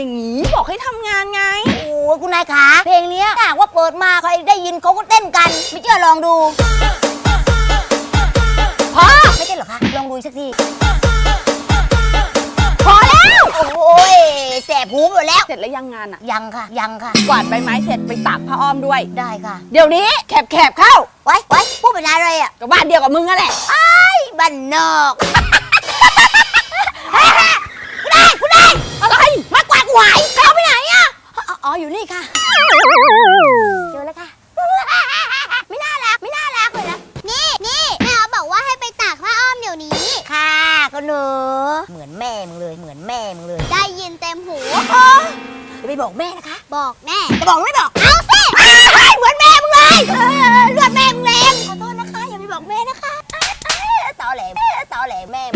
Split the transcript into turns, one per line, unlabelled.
อย่างนี้บอกให้ทำงานไง
โอ้คุณนายขาเพลงนี้ถ้าว่าเปิดมาใครได้ยินเขาก็เต้นกันไม่เชื่อลองดูพอไม่เต้นหรอคะลองดูสักทีพอแล้วโอ้ยแสบหูหมดแล้ว
เสร็จแล้วยังงานอ่ะ
ยังค่ะ
กวาดใบไม้เสร็จไปตากผ้าอ้อมด้วย
ได้ค่ะ
เดี๋ยวนี้แคบเข้า
ไว้พูดเป็นอะไรอ่ะ
ก็บ้านเดียวกับมึงนั่นแหละ
ไอ้บ้านนอกคุณนาย
อะไร
มากวาดหวายเขาไปไหนอ่ะอ๋ออยู่นี่ค่ะเจอแล้วค่ะไม่น่ารักเลยนะ
นี่แม่บอกว่าให้ไปตากผ้าอ้อมเดี๋ยวนี้
ค่ะก็หนูเหมือนแม่มึงเลย
ได้ยินเต็มหู
จะไปบอกแม่นะคะ
บอกแน่
จะบอกไม่บอก
เอาสิ
เหมือนแม่มึงเลยเลือดแม่มึงแรงขอโทษนะคะอย่าไปบอกแม่นะคะตอแหลแม่